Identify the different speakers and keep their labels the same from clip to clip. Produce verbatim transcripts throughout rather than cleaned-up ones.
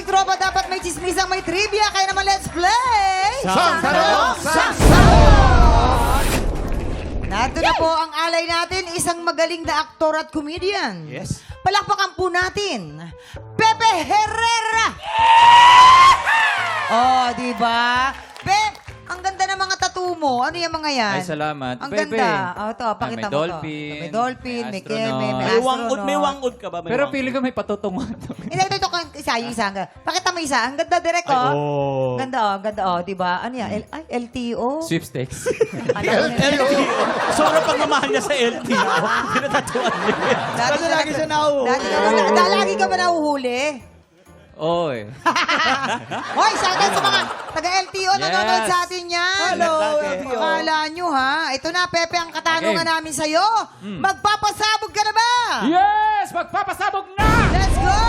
Speaker 1: tropa, dapat may chismisang may trivia. Kaya naman, let's play!
Speaker 2: Sang Tanong, Sang
Speaker 1: Narito na po ang alay natin, isang magaling na aktor at comedian.
Speaker 2: Yes.
Speaker 1: Palakpakan po natin, Pepe Herrera! Oh, di ba? Pe, ang ganda ng mga tattoo mo. Ano yung mga yan?
Speaker 3: Ay, salamat.
Speaker 1: Ang
Speaker 3: Pepe.
Speaker 1: ganda. Oh, to, pakita
Speaker 3: may
Speaker 1: mo
Speaker 3: dolphin,
Speaker 1: to. May dolphin, may
Speaker 3: may
Speaker 1: keme, may
Speaker 3: astronaut.
Speaker 2: May wangud, may
Speaker 1: astronaut.
Speaker 2: wangud ka ba? May
Speaker 3: Pero
Speaker 2: wangud.
Speaker 3: feeling ko may patutungan.
Speaker 1: Hindi, ito, ito, isa, yung isa. Pakita mo isa. Ang ganda, direct,
Speaker 2: Ay,
Speaker 1: oh.
Speaker 2: oh.
Speaker 1: Ganda, oh. Ganda, oh. Di ba? Ano yan? L- ay, L T O?
Speaker 3: Sweepstakes.
Speaker 2: L T O. Sobrang pagmamahal niya sa L T O. Pinatatuan niya. Kasi lagi siya nauhuli.
Speaker 1: Lagi ka, ba- da- lagi ka ba nahuhuli?
Speaker 3: Oo eh.
Speaker 1: Hoy, sa atin sa mga taga-L T O
Speaker 3: Yes.
Speaker 1: nanonood sa atin yan.
Speaker 2: Hello, L T O.
Speaker 1: Akala nyo, ha? Ito na, Pepe, ang katanungan
Speaker 3: Okay.
Speaker 1: namin sa'yo.
Speaker 3: Hmm.
Speaker 1: Magpapasabog ka na ba?
Speaker 3: Yes! Magpapasabog na!
Speaker 1: Let's go!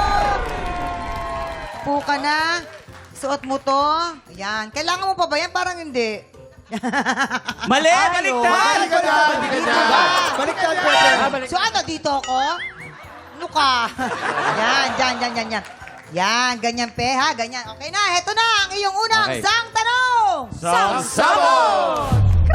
Speaker 1: Po ka na. Suot mo to. Ayan. Kailangan mo pa ba yan? Parang hindi.
Speaker 2: Mali! Baliktad!
Speaker 1: Baliktad!
Speaker 2: Baliktad!
Speaker 3: Ah, balik.
Speaker 1: So ano, dito ako? Ano ka? Yan, yan, yan, yan, yan. Yan, ganyan pe, ha? Ganyan. Okay na, heto na ang iyong unang
Speaker 3: Okay.
Speaker 1: sang tanong!
Speaker 2: Sang Sabog!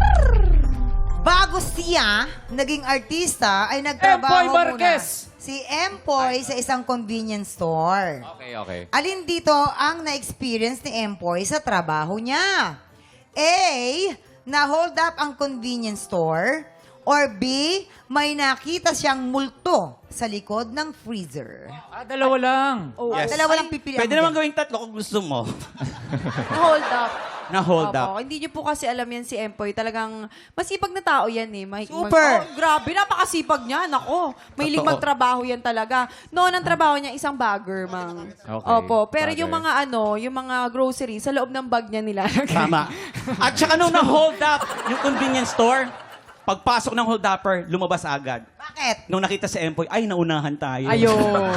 Speaker 1: Bago siya naging artista, ay nagtrabaho
Speaker 3: Empoy Marquez.
Speaker 1: muna si Empoy sa isang convenience store.
Speaker 3: Okay, okay.
Speaker 1: Alin dito ang na-experience ni Empoy sa trabaho niya? A. Na-hold up ang convenience store. Or B. May nakita siyang multo sa likod ng freezer.
Speaker 3: Ah, dalawa lang.
Speaker 1: Oh,
Speaker 2: Yes.
Speaker 1: Dalawa lang pipilian.
Speaker 2: Pwede naman gawing tatlo kung gusto mo.
Speaker 4: Hold up.
Speaker 2: Na-hold up.
Speaker 4: Opo. Hindi niyo po kasi alam yan si Empoy. Talagang masipag na tao yan eh. May,
Speaker 1: Super.
Speaker 4: oh, grabe, napakasipag niya. Nako, mahilig
Speaker 2: Totoo.
Speaker 4: magtrabaho yan talaga. Noon ang trabaho niya, isang bagger, mang.
Speaker 3: Okay,
Speaker 4: Opo. Pero
Speaker 3: bagger.
Speaker 4: yung mga ano, yung mga grocery, sa loob ng bag niya nilalagay.
Speaker 2: Tama. At saka nung na-hold up yung convenience store, pagpasok ng hold upper, lumabas agad.
Speaker 1: Bakit?
Speaker 2: Nung nakita si Empoy, ay, naunahan tayo.
Speaker 4: Ayun.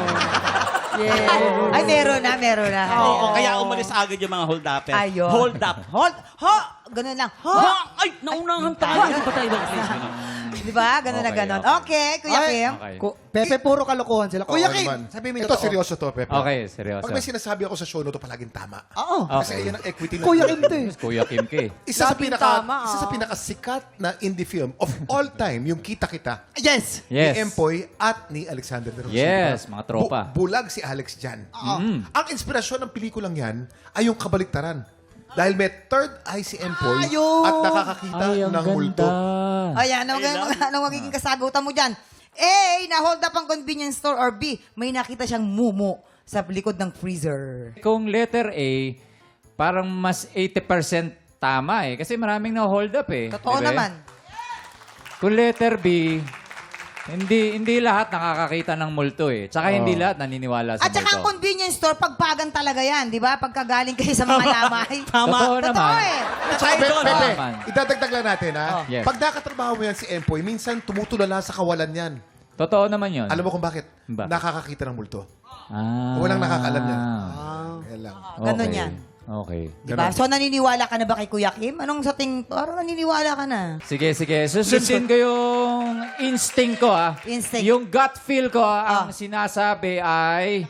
Speaker 4: Yeah.
Speaker 1: Ay, meron na, meron na.
Speaker 2: Oo, kaya umalis agad yung mga hold upper.
Speaker 1: Ayun.
Speaker 2: Hold up.
Speaker 1: Hold, ho! Ganun lang. Ho!
Speaker 2: Ha? Ay, naunahan tayo. Ano ba tayo ba?
Speaker 1: Di ba? Ganun na
Speaker 3: Okay,
Speaker 1: ganun.
Speaker 3: okay.
Speaker 1: Okay, Kuya
Speaker 5: Ay,
Speaker 1: Kim.
Speaker 3: Okay.
Speaker 5: Ku- Pepe, puro kalokohan sila.
Speaker 6: Oo
Speaker 5: Kuya Kim,
Speaker 6: naman.
Speaker 5: sabi mo yung
Speaker 6: Ito,
Speaker 5: totoo.
Speaker 6: seryoso to, Pepe.
Speaker 3: Okay, seryoso.
Speaker 6: Pag may sinasabi ako sa show no to, palaging tama.
Speaker 1: Oo.
Speaker 3: Okay.
Speaker 6: Kasi yan ang equity ng
Speaker 5: Kuya Kim to eh.
Speaker 3: Kuya Kim K.
Speaker 6: Isa sa
Speaker 4: Laging
Speaker 6: pinaka
Speaker 4: tama,
Speaker 6: isa sa
Speaker 4: ah.
Speaker 6: pinakasikat na indie film of all time, yung Kita Kita.
Speaker 5: Yes!
Speaker 3: Yes.
Speaker 6: Ni Empoy at ni Alexander de Rosita.
Speaker 3: Yes, mga tropa.
Speaker 6: Bu- bulag si Alex dyan.
Speaker 3: Mm.
Speaker 6: Ang inspirasyon ng pelikulang yan ay yung kabaliktaran. Dahil may third eye si Empoy
Speaker 1: Ayun.
Speaker 6: at nakakakita
Speaker 3: Ay, ang
Speaker 6: ng multo.
Speaker 3: ganda.
Speaker 1: Ayan, ano, ano, ano magiging kasagutan mo dyan? A, na-hold up ang convenience store. Or B, may nakita siyang mumu sa likod ng freezer.
Speaker 3: Kung letter A, parang mas eighty percent tama eh. Kasi maraming na-hold up eh.
Speaker 1: Totoo
Speaker 3: Di ba?
Speaker 1: naman.
Speaker 3: Kung letter B, hindi hindi lahat nakakakita ng multo eh. Tsaka hindi lahat naniniwala sa
Speaker 1: At saka ang
Speaker 3: multo.
Speaker 1: convenience store, pagpagan talaga yan, di ba? Pagkagaling kayo sa mga lamay.
Speaker 2: Tama.
Speaker 3: Totoo
Speaker 1: Totoo
Speaker 3: naman.
Speaker 1: eh.
Speaker 6: At saka, Pepe,
Speaker 2: Idol.
Speaker 6: Pepe,
Speaker 3: Naman.
Speaker 6: idadagdag lang natin, ha?
Speaker 3: Oh. Yes.
Speaker 6: Pag nakatrabaho mo yan si Empoy, minsan tumutulala sa kawalan yan.
Speaker 3: Totoo naman yun.
Speaker 6: Alam mo kung bakit?
Speaker 3: Bakit?
Speaker 6: Nakakakita ng multo.
Speaker 3: Ah.
Speaker 6: Walang nakakaalam yan. Yan lang.
Speaker 1: Ganun
Speaker 3: Okay.
Speaker 1: yan.
Speaker 3: Okay.
Speaker 1: Diba? So, naniniwala ka na ba kay Kuya Kim? Anong sa ting... Parang naniniwala ka na.
Speaker 3: Sige, sige. Susundin ko yung instinct ko, ah.
Speaker 1: Instinct.
Speaker 3: Yung gut feel ko, ah,
Speaker 1: Ah.
Speaker 3: ang sinasabi ay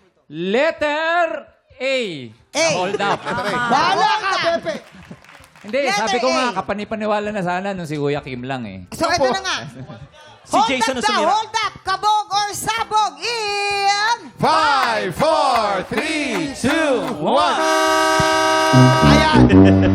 Speaker 3: letter A.
Speaker 1: A.
Speaker 3: Hold up.
Speaker 1: Bahala ka!
Speaker 5: Pepe!
Speaker 3: Hindi,
Speaker 1: Letter
Speaker 3: sabi ko
Speaker 1: A.
Speaker 3: nga, kapanipaniwala na sana nung si Kuya Kim lang eh.
Speaker 1: So, ito na nga.
Speaker 2: Si
Speaker 1: hold
Speaker 2: Jason
Speaker 1: up
Speaker 2: na
Speaker 1: daw,
Speaker 2: sumira.
Speaker 1: hold up! Kabog or sabog in...
Speaker 6: Five, four, three, two, one.
Speaker 1: Ayan!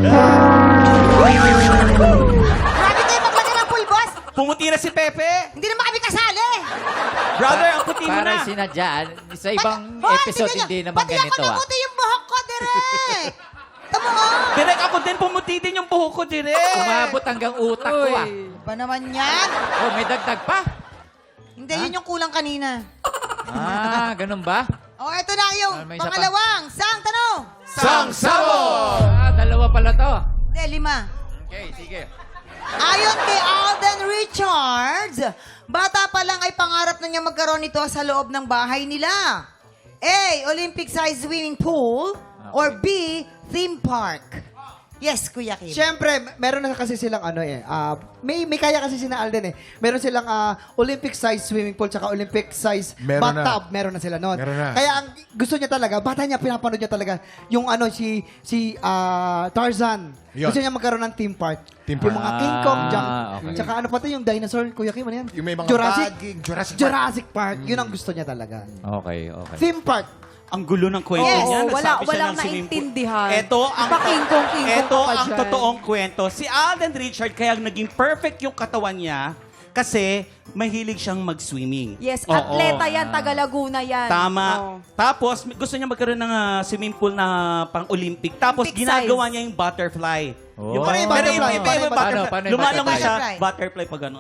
Speaker 1: Grabe kayo maglagay ng pulbos!
Speaker 2: Pumuti na si Pepe.
Speaker 1: Hindi naman kami kasali!
Speaker 2: Brother, ang puti mo
Speaker 3: Para
Speaker 2: na.
Speaker 3: sinadya, sa ibang
Speaker 1: Hoy,
Speaker 3: episode
Speaker 1: tingnan
Speaker 3: hindi
Speaker 1: nyo,
Speaker 3: naman
Speaker 1: pati
Speaker 3: ganito
Speaker 1: ako
Speaker 3: ah.
Speaker 1: namuti yung buhok ko, direk! Tama nga!
Speaker 2: Direk, ako din pumuti din yung buhok ko, direk.
Speaker 3: Umabot hanggang utak ko ah.
Speaker 1: Ba naman yan?
Speaker 3: Oh, may dagdag pa?
Speaker 1: Hindi, yun yung kulang kanina.
Speaker 3: Ah, ganun ba?
Speaker 1: O, oh, ito na yung
Speaker 3: Ah, may isa pa.
Speaker 1: pangalawang sang tanong.
Speaker 6: Sang Sabog!
Speaker 3: Ah, dalawa pala to.
Speaker 1: Hindi, lima.
Speaker 3: Okay, sige.
Speaker 1: Ayon kay Alden Richards, bata pa lang ay pangarap na niya magkaroon nito sa loob ng bahay nila. A. Olympic-sized swimming pool. Or B. Theme park. Yes, Kuya Kim.
Speaker 5: Siyempre, meron na kasi silang ano eh, ah, may may kaya kasi sina Alden eh. Meron silang ah, Olympic size swimming pool tsaka Olympic size
Speaker 6: Meron na.
Speaker 5: bathtub, meron na sila noon.
Speaker 6: Meron na.
Speaker 5: Kaya ang gusto niya talaga, bata niya pinapanood niya talaga yung ano si si ah, Tarzan.
Speaker 6: Yun.
Speaker 5: Gusto niya magkaroon ng theme park.
Speaker 6: Theme
Speaker 5: Yung
Speaker 6: park.
Speaker 5: mga King Kong,
Speaker 3: Ah,
Speaker 5: jump.
Speaker 3: okay.
Speaker 5: Tsaka ano pati yung dinosaur, Kuya Kim, ano yan?
Speaker 6: Yung may mga
Speaker 5: Jurassic,
Speaker 6: baging, Jurassic Park.
Speaker 5: Jurassic Park. Yun ang gusto niya talaga.
Speaker 3: Okay, okay.
Speaker 5: Theme park.
Speaker 2: Ang gulo ng kwento
Speaker 1: Yes.
Speaker 2: niya.
Speaker 4: Oo, wala-
Speaker 2: Nagsabi siya
Speaker 4: walang
Speaker 2: ng swimming pool.
Speaker 4: naintindihan.
Speaker 2: Ito ang,
Speaker 4: Iba kingkong-kingkong
Speaker 2: ito
Speaker 4: ka pa
Speaker 2: ang
Speaker 4: dyan.
Speaker 2: totoong kwento. Si Alden Richard, kaya naging perfect yung katawan niya kasi mahilig siyang mag-swimming.
Speaker 4: Yes,
Speaker 2: Oo.
Speaker 4: atleta yan, taga Laguna yan.
Speaker 2: Tama.
Speaker 4: Oo.
Speaker 2: Tapos, gusto niya magkaroon ng ah, swimming pool na pang-Olympic. Tapos,
Speaker 4: Olympic
Speaker 2: ginagawa
Speaker 4: size.
Speaker 2: niya yung butterfly.
Speaker 3: Oh.
Speaker 2: Yung,
Speaker 5: Paano yung
Speaker 2: pero
Speaker 5: butterfly?
Speaker 2: yung-
Speaker 5: Paano
Speaker 2: yung
Speaker 5: yung
Speaker 2: butterfly.
Speaker 3: butterfly? Paano yung
Speaker 2: Lumalangoy siya.
Speaker 1: butterfly?
Speaker 2: Butterfly pa gano'n.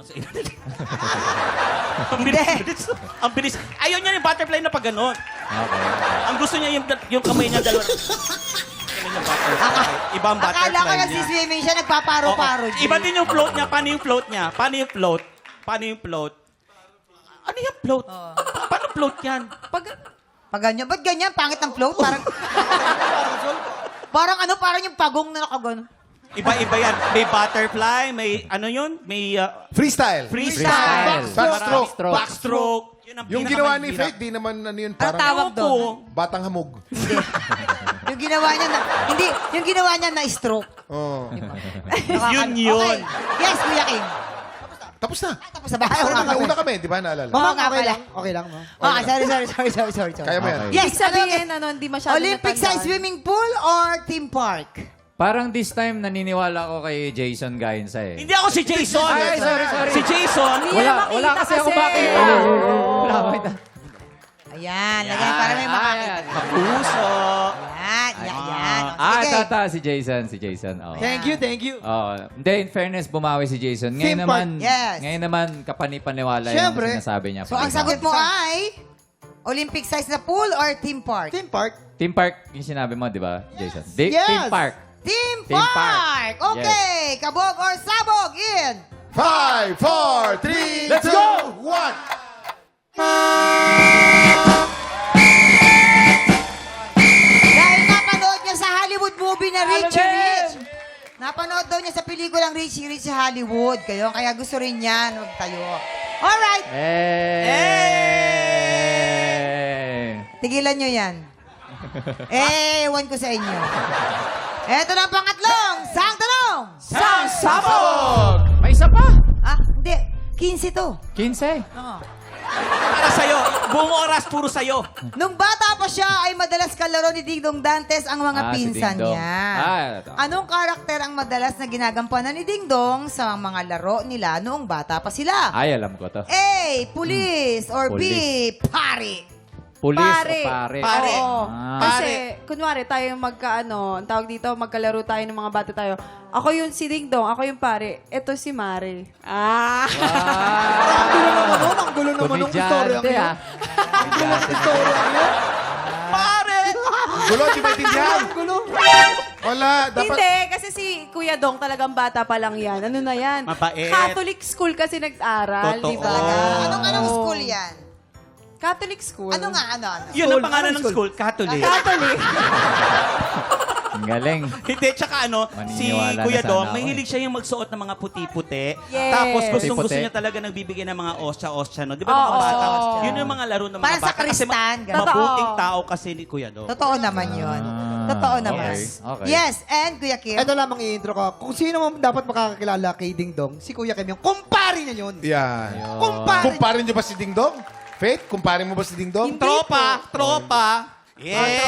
Speaker 2: ang bilis, bilis. Ang bilis. Ayaw niya yung butterfly na pa gano'n.
Speaker 3: Okay.
Speaker 2: Ang gusto niya yung, yung kamay niya dalawa. Ganun yung butterfly. Ibang butterfly
Speaker 1: Akala ko
Speaker 2: niya.
Speaker 1: nagsiswimming siya, nagpaparo-paro.
Speaker 2: Oo. Iba din yung float niya. Paano yung float niya? Paano yung float? Paano yung float? Ano yung float? Pa- paano float yan?
Speaker 4: Pag,
Speaker 1: Pag ganyan, ba't ganyan? Pangit ng float? Parang, parang ano, parang yung pagong na nakagano.
Speaker 2: Iba-iba yan. May butterfly, may ano yun? May uh,
Speaker 6: Freestyle.
Speaker 2: freestyle.
Speaker 6: Backstroke.
Speaker 3: Backstroke.
Speaker 2: Backstroke. Yun ang
Speaker 6: Yung ginawa ni
Speaker 2: pinakamahirap.
Speaker 6: Faith, di naman ano yun,
Speaker 1: Ano
Speaker 6: parang
Speaker 1: tawag
Speaker 2: Ako.
Speaker 1: doon?
Speaker 6: batang hamog.
Speaker 1: Yung ginawa niya na, hindi, yung ginawa niya na stroke.
Speaker 6: Oh.
Speaker 2: Yun yun.
Speaker 1: Okay. Yes, Kuya Kim.
Speaker 6: Tapos na.
Speaker 1: Tapos na ba?
Speaker 6: Ay,
Speaker 1: Oo nga
Speaker 6: una,
Speaker 1: pala.
Speaker 6: una kami, di ba naalala?
Speaker 1: Oo
Speaker 5: Mama,
Speaker 1: nga
Speaker 5: okay
Speaker 1: pala.
Speaker 5: lang. Okay lang, ma.
Speaker 1: Ah, sorry, sorry, sorry, sorry, sorry. sorry.
Speaker 6: Kaya mo yan.
Speaker 3: Okay.
Speaker 1: Yes,
Speaker 4: ibig sabihin, ano, hindi masyado
Speaker 1: Olympic size
Speaker 4: natandaan.
Speaker 1: swimming pool or theme park?
Speaker 3: Parang this time, naniniwala ko kay Jason Gainsa eh.
Speaker 2: Hindi ako si Jason.
Speaker 3: Ay, sorry, sorry.
Speaker 2: Si Jason.
Speaker 4: Hindi
Speaker 3: Wala,
Speaker 4: yan makita
Speaker 3: wala kasi ako
Speaker 4: kasi.
Speaker 3: makita. Wala ako makita.
Speaker 1: Ayan, lagyan para may makakita.
Speaker 2: Kapuso.
Speaker 1: Yan, yan, yan.
Speaker 3: Ah,
Speaker 1: Sige.
Speaker 3: tata, si Jason, si Jason. Oh.
Speaker 5: Thank you, thank you.
Speaker 3: Oh, hindi, in fairness, bumawi si Jason. Ngayon
Speaker 5: Theme
Speaker 3: naman,
Speaker 1: park, yes.
Speaker 3: ngayon naman, kapanipaniwala
Speaker 5: Siyempre.
Speaker 3: yung sinasabi niya.
Speaker 1: So, ang sagot mo ay Olympic size na pool or theme park?
Speaker 5: Theme park.
Speaker 3: Team Park, yung sinabi mo, di ba, Jason? Di-
Speaker 5: Yes.
Speaker 3: Team Park.
Speaker 1: Team,
Speaker 3: Theme
Speaker 1: park!
Speaker 3: park.
Speaker 1: Okay, kabog or sabog in?
Speaker 6: Five, four, three,
Speaker 3: Let's
Speaker 6: two,
Speaker 3: go!
Speaker 6: one.
Speaker 1: Dahil napanood niya sa Hollywood movie na Richie
Speaker 3: Alden!
Speaker 1: Rich. Napanood daw niya sa pelikulang Richie Rich sa Hollywood. Kayo, kaya gusto rin niya magtayo. Alright,
Speaker 3: Eh!
Speaker 1: tigilan niyo yan. Eh, ewan ko sa inyo. Eto na ang pangatlong. Sang tanong.
Speaker 2: Sang sabog!
Speaker 3: May isa pa!
Speaker 1: Ah, hindi. quince to.
Speaker 3: quince.
Speaker 1: Oo.
Speaker 2: Para sa'yo. Buong oras, puro sa'yo.
Speaker 1: Nung bata pa siya, ay madalas kalaro ni Dingdong Dantes ang mga
Speaker 3: Ah, si
Speaker 1: pinsan
Speaker 3: Dingdong.
Speaker 1: niya.
Speaker 3: Ah, ito.
Speaker 1: Anong karakter ang madalas na ginagampanan ni Dingdong sa mga laro nila noong bata pa sila?
Speaker 3: Ay, alam ko to.
Speaker 1: A. Police or B.
Speaker 3: Police.
Speaker 1: Pari.
Speaker 3: Police
Speaker 4: Pare.
Speaker 3: o pare?
Speaker 2: Pare.
Speaker 4: Oo.
Speaker 3: Ah.
Speaker 4: Kasi, kunwari, tayo yung magkaano, ang tawag dito, magkalaro tayo ng mga bata tayo. Ako yung si Ding Dong, ako yung pare. Ito si Mare. Ah!
Speaker 5: Ang gulo naman nun. Ang gulo naman nung istorya
Speaker 3: Komedyante,
Speaker 5: ngayon.
Speaker 3: ah.
Speaker 5: Ang gulo ng istorya ngayon.
Speaker 2: Pare!
Speaker 6: Gulo, di ba intindihan?
Speaker 5: Ang gulo.
Speaker 6: Wala, dapat...
Speaker 4: Hindi, kasi si Kuya Dong talagang bata pa lang yan. Ano na yan?
Speaker 2: Mabait.
Speaker 4: Catholic school kasi nag-aral,
Speaker 2: Totoo.
Speaker 4: di ba?
Speaker 1: Anong anong school yan?
Speaker 4: Catholic school.
Speaker 1: Ano nga, ano, ano?
Speaker 2: Yun ang
Speaker 5: School.
Speaker 2: pangalan
Speaker 5: Anong
Speaker 2: ng school, Catholic.
Speaker 4: Catholic.
Speaker 3: Ang galing.
Speaker 2: Hindi, tsaka ano, si
Speaker 3: Maniniwala na
Speaker 2: Kuya
Speaker 3: sana
Speaker 2: Dong,
Speaker 3: ako
Speaker 2: mahilig siya yung magsuot ng mga puti-puti.
Speaker 4: Yes.
Speaker 2: Tapos gustong gusto
Speaker 3: Puti-puti.
Speaker 2: niya talaga nagbibigay ng mga osya-osya, no? Di ba mga
Speaker 4: Oo.
Speaker 2: bata? Yun yung mga laro ng mga
Speaker 1: Parang sa
Speaker 2: bata. Kasi
Speaker 1: kristan,
Speaker 2: ma-
Speaker 1: ganun.
Speaker 2: mabuting
Speaker 4: Totoo.
Speaker 2: tao kasi ni Kuya Dong.
Speaker 1: Totoo naman yun.
Speaker 3: Ah,
Speaker 1: Totoo naman.
Speaker 3: okay, okay.
Speaker 1: Yes, and Kuya Kim?
Speaker 5: Ito lamang i-intro ko. Kung sino man dapat makakakilala kay Ding Dong, si Kuya Kim yung kumpari niya yun.
Speaker 6: Yan.
Speaker 5: Kumpari.
Speaker 6: Kumparin niyo ba si Ding Dong? Faith, kumparin mo ba si Ding Dong?
Speaker 2: Tropa! Tropa! Yeah!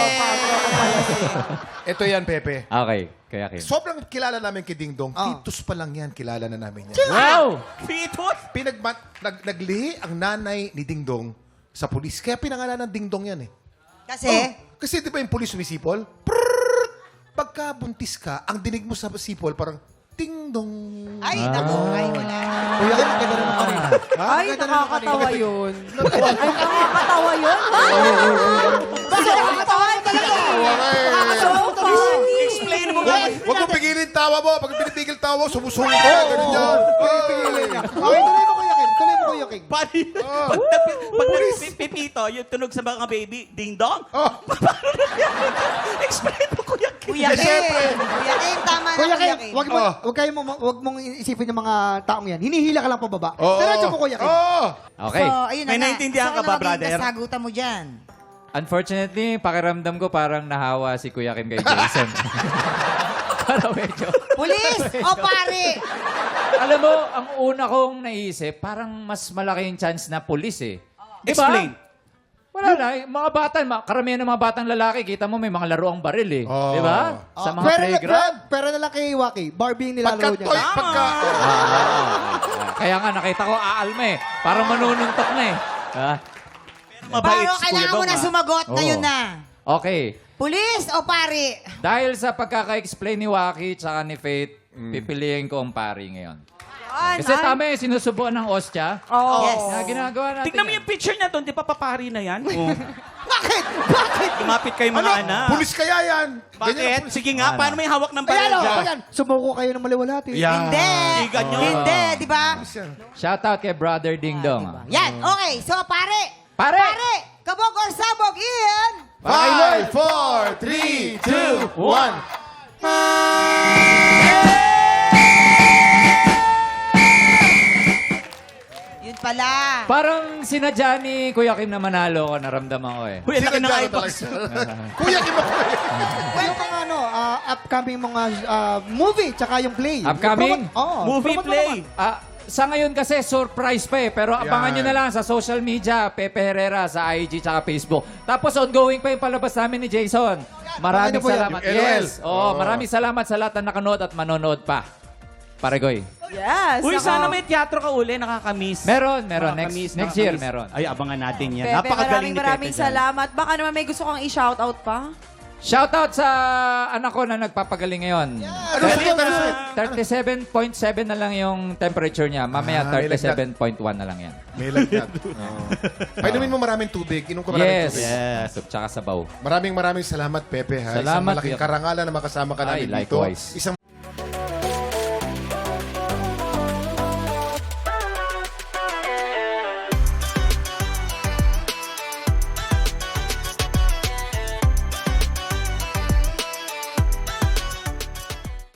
Speaker 6: Ito yan, Pepe.
Speaker 3: Okay, kaya Kim.
Speaker 6: Sobrang kilala namin kay Ding Dong.
Speaker 5: Oh.
Speaker 6: Titus pa lang yan, kilala na namin yan.
Speaker 3: Wow!
Speaker 2: Pitot!
Speaker 6: Pinagma- nag, naglihi ang nanay ni Ding Dong sa pulis. Kaya pinangalan ng Ding Dong yan eh.
Speaker 1: Kasi,
Speaker 6: Oh, kasi di ba yung pulis sumisipol? Prrrr! Pagka buntis ka, ang dinig mo sa sipol parang Ding Dong.
Speaker 1: ay, naku, ay, wala.
Speaker 5: Kuya Kim, ang ganda naman kanina. Ha?
Speaker 4: Ay,
Speaker 5: Ang ganda naman
Speaker 4: nakakatawa
Speaker 5: kanina.
Speaker 4: yun. Ay, nakakatawa yun.
Speaker 1: Bakit nakakatawa rin talaga?
Speaker 4: So funny.
Speaker 2: Explain mo
Speaker 6: Huwag,
Speaker 2: nga.
Speaker 6: huwag mo pigilin tawa mo. Pag pinipigil tawa mo, sumusungit ka. Ganun yan.
Speaker 5: Pipigilin niya. Okay, tuloy mo Kuya Kim. Tuloy mo Kuya Kim.
Speaker 2: Paano yun? Pag, nag- pag nagpipito, yung tunog sa mga baby, ding dong.
Speaker 6: Oh.
Speaker 2: Explain mo, Kuya Kim.
Speaker 1: Kuya Kim. Kuya Kim, tama na
Speaker 5: Kuya
Speaker 1: Kuya
Speaker 5: Kim,
Speaker 1: Kim.
Speaker 5: wag mo,
Speaker 6: Oh.
Speaker 5: wag kayo mo, wag mong isipin yung mga taong yan. Hinihila ka lang pababa.
Speaker 6: Oo.
Speaker 5: Diretso mo, Kuya Kim.
Speaker 6: Oo.
Speaker 3: Okay.
Speaker 1: So, ayun na
Speaker 2: May
Speaker 1: nga.
Speaker 2: naintindihan
Speaker 1: so,
Speaker 2: ka ba,
Speaker 1: ano
Speaker 2: brother?
Speaker 1: maging kasagutan mo dyan?
Speaker 3: Unfortunately, pakiramdam ko parang nahawa si Kuya Kim kay Jason. Parang medyo...
Speaker 1: Pulis o pare?
Speaker 3: Alam mo, ang una kong naisip, parang mas malaki yung chance na pulis eh. Di ba?
Speaker 2: Explain.
Speaker 3: Wala na. Yung mga bata, ma- karamihan ng mga batang lalaki, kita mo may mga laruang baril eh.
Speaker 6: Oh.
Speaker 3: Di ba? Sa
Speaker 5: Ah,
Speaker 3: mga
Speaker 5: pera,
Speaker 3: playground.
Speaker 5: pera, pera na lang kay Waki. Barbie yung
Speaker 6: Pagka,
Speaker 5: nilalaro niya.
Speaker 6: toy, pagka,
Speaker 3: Ah, kaya nga, nakita ko aalma eh. Parang manununtok na eh. Ah,
Speaker 2: Mabait
Speaker 1: Paro,
Speaker 2: si Kuya
Speaker 1: kailangan mo
Speaker 2: Dong,
Speaker 1: na
Speaker 2: ah.
Speaker 1: sumagot.
Speaker 3: Oo.
Speaker 1: Ngayon na.
Speaker 3: okay.
Speaker 1: Pulis o pare?
Speaker 3: Dahil sa pagkaka-explain ni Waki tsaka ni Faith, pipiliin ko ang pari ngayon.
Speaker 4: Yan,
Speaker 3: Kasi
Speaker 4: ay.
Speaker 3: tama eh, sinusubuan ng ostya.
Speaker 4: Oo.
Speaker 1: Yes.
Speaker 3: Na ginagawa natin
Speaker 2: Tignan mo
Speaker 3: yan.
Speaker 2: yung picture niya doon, di pa papari na yan? Oh.
Speaker 5: Bakit? Bakit?
Speaker 2: Lumapit kayo mga
Speaker 6: ano?
Speaker 2: anak.
Speaker 6: Pulis kaya yan. Ganyan ang
Speaker 2: Bakit?
Speaker 6: pulis.
Speaker 2: Sige nga,
Speaker 3: Ano?
Speaker 2: paano may hawak ng
Speaker 5: Ayan
Speaker 2: baril
Speaker 5: o,
Speaker 2: dyan?
Speaker 5: ayan. Sumuko kayo ng maliwalhati.
Speaker 6: Yan.
Speaker 1: Hindi.
Speaker 2: Tigan nyo.
Speaker 1: Hindi, di ba?
Speaker 6: Pulis yan.
Speaker 3: Shoutout kay Brother Ding Dong.
Speaker 1: Yan, okay. So, pare.
Speaker 3: Pare!
Speaker 1: Pare! Kabog or sabog, Ian!
Speaker 6: Five, four, three, two, one.
Speaker 1: Yun pala.
Speaker 3: Parang sinadya ni Kuya Kim na manalo ko, naramdaman ko eh.
Speaker 2: Uy, ang laki ng
Speaker 6: Sinadya ko
Speaker 2: eyebox.
Speaker 6: talaga. Kuya, Kim ako.
Speaker 5: Yung mga ano, ah, upcoming mga ah, movie, tsaka yung play.
Speaker 3: Upcoming?
Speaker 5: Promote- Oo.
Speaker 2: Movie
Speaker 5: promote mo
Speaker 2: play.
Speaker 5: naman.
Speaker 3: Ah, sa ngayon kasi, surprise pa eh. Pero abangan
Speaker 6: Yan.
Speaker 3: nyo na lang sa social media, Pepe Herrera, sa I G tsaka Facebook. Tapos ongoing pa yung palabas namin ni Jason. Maraming
Speaker 5: Ano po yan?
Speaker 3: salamat.
Speaker 6: Yung L O L.
Speaker 3: Yes. Oh, maraming salamat sa lahat na nakanood at manonood pa. Paregoy.
Speaker 4: Yes.
Speaker 2: Uy,
Speaker 4: ako.
Speaker 2: sana may teatro ka uli, nakakamiss.
Speaker 3: Meron, meron. Next,
Speaker 2: Nakakamiss,
Speaker 3: next year,
Speaker 2: nakakamiss.
Speaker 3: meron.
Speaker 2: Ay, abangan natin yan.
Speaker 4: Pepe,
Speaker 2: Napakagaling
Speaker 4: maraming
Speaker 2: ni
Speaker 4: maraming
Speaker 2: Pepe dyan.
Speaker 4: salamat. Baka naman may gusto kang i-shoutout pa?
Speaker 3: Shoutout sa anak ko na nagpapagaling ngayon.
Speaker 6: Ano sa iyo? Ano sa iyo?
Speaker 3: thirty-seven point seven na lang yung temperature niya. Mamaya
Speaker 6: Ah, may
Speaker 3: thirty-seven point one na lang yan.
Speaker 6: May lagnat. Oo. Painumin mo maraming tubig. Inom ko maraming
Speaker 3: Yes.
Speaker 6: tubig.
Speaker 3: Yes. Tsaka sabaw.
Speaker 6: Maraming maraming salamat, Pepe. Ha? Isang
Speaker 3: Salamat,
Speaker 6: malaking
Speaker 3: Kuya.
Speaker 6: karangalan na makasama ka
Speaker 3: Ay,
Speaker 6: namin dito.
Speaker 3: likewise.
Speaker 6: Isang